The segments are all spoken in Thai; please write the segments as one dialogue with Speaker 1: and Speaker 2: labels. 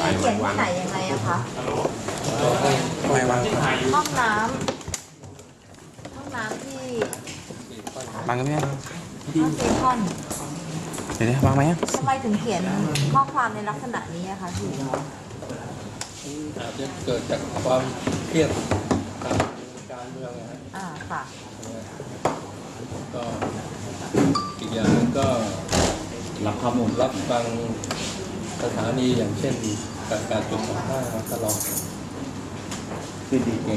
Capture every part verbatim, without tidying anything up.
Speaker 1: นี้เขียนที่ไหนยังไงอะคะ
Speaker 2: ไม่วาง
Speaker 1: ห้องน้ำห้องน้ำที่
Speaker 2: วางกันไหม
Speaker 1: ห้องซีคอน
Speaker 2: เดี๋ยววางไหม
Speaker 1: ทำไมถึงเขียนข้อความในลักษณะนี้อะคะพี่
Speaker 3: อาจจะเกิดจากความเครียดทางการเมืองนะฮะ
Speaker 1: อ่าค่ะ
Speaker 3: ก็อีกอย่างนึงก็
Speaker 4: รับข้อมูล
Speaker 3: รับฟังสถานีอย่างเช่นการการจุดสัมภาษณ์ตลอด
Speaker 4: คือดีเจ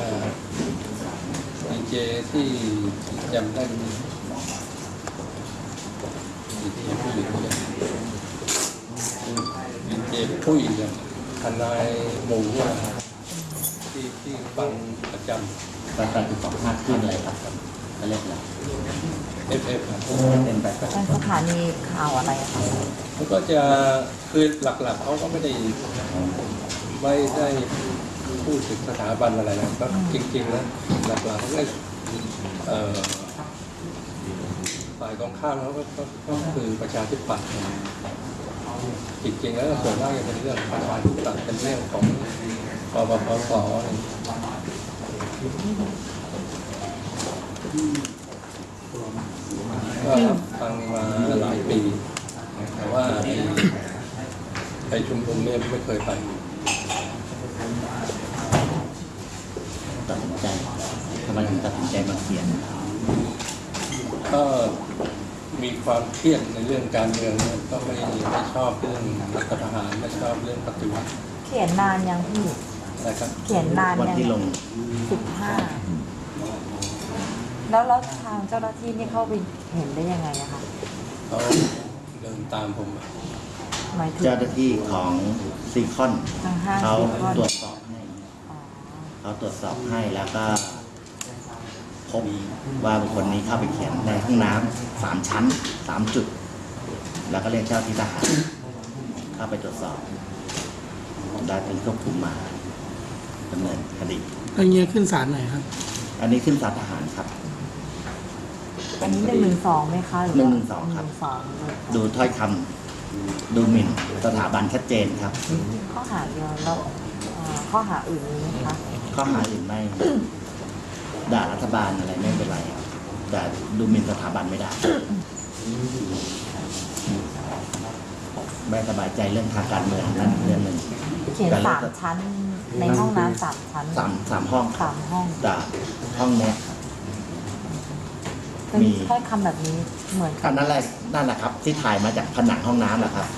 Speaker 3: ดีเจที่จำได้ดีเจผู้หญิงเนี่ยดีเจผู้หญิงเนี่ยทนายหมู่ว่าที่ที่ฟังประจำ
Speaker 4: การการติดต่อมากขึ้นอะไรครับก็เรียกอะไร
Speaker 3: เอฟเอฟ
Speaker 4: เป็นแบบ
Speaker 1: เป็นสถานีข่าวอะไรอะคะ
Speaker 3: มันก็จะคือหลักๆเขาก็ไม่ได้ไม่ได้พูดถึงสถาบันอะไรนะก็จริงๆนะหลักๆเขาก็ฝ่ายตรงข้ามเขาก็ก็คือประชาธิปัตย์จริงๆแล้วส่วนมากจะเป็นเรื่องประชาธิปัตย์เป็นเรื่องของปปปสอะไรก็รับฟังมาหลายปีแต่ว่าไปชุมนุมเนี่ยไม่เคยไป
Speaker 4: ตัดสินใจทำไมถึงตัดสินใจมาเขียน
Speaker 3: ก็มีความเครียดในเรื่องการเมืองเนี่ยก็ไม่ไม่ชอบเรื่องรัฐประหารไม่ชอบเรื่องปฏิวัติ
Speaker 1: เขียนนานยังพี่
Speaker 3: นะครับ
Speaker 1: เขียนนาน
Speaker 4: วันที่ลง
Speaker 1: สิบห้าแล้วแล้วทางเจ้าหน้าที่นี่เข้าไปเห็นได้ยังไงอะคะ
Speaker 3: เขาเดินตามผม
Speaker 4: เจ้าหน้าที่ของซีคอนเขาตรวจสอบให้เขาตรวจสอบให้แล้วก็พบว่าบุคคลนี้เข้าไปเขียนในห้องน้ำสามชั้นสามจุดแล้วก็เรียกเจ้าที่ทหารเข้าไปตรวจสอบได้ถึงควบคุมมาดำเนินคดี
Speaker 2: อันนี้ขึ้นศาลไหนครับ
Speaker 4: อันนี้ขึ้นศาลทหารครับ
Speaker 1: อันนี้หนึ่งหนึ่งสองไหมคะ
Speaker 4: หนึ่งหนึ่งสองครับดูถ้อยคำดูหมิ่นสถาบันชัดเจนครับ
Speaker 1: ข้อหาเดียวแล้วข้อหาอื่นมีไหมคะ
Speaker 4: ข้อหาอื่นไม่ด่ารัฐบาลอะไรไม่เป็นไรแต่ดูหมิ่นสถาบันไม่ได้ไม่สบายใจเรื่องทางการเมืองนั่นเรื่องหนึ่ง
Speaker 1: เขียนสามชั้นในห้องน้ำสามชั้น
Speaker 4: สามสามห้อง
Speaker 1: สามห้อง
Speaker 4: แต่ห้องเนี้ย
Speaker 1: มีถ้อยคำแบบนี้เหมือน
Speaker 4: กันนั่นแหละนั่นแหละครับที่ถ่ายมาจากผนังห้องน้ำแหละครับ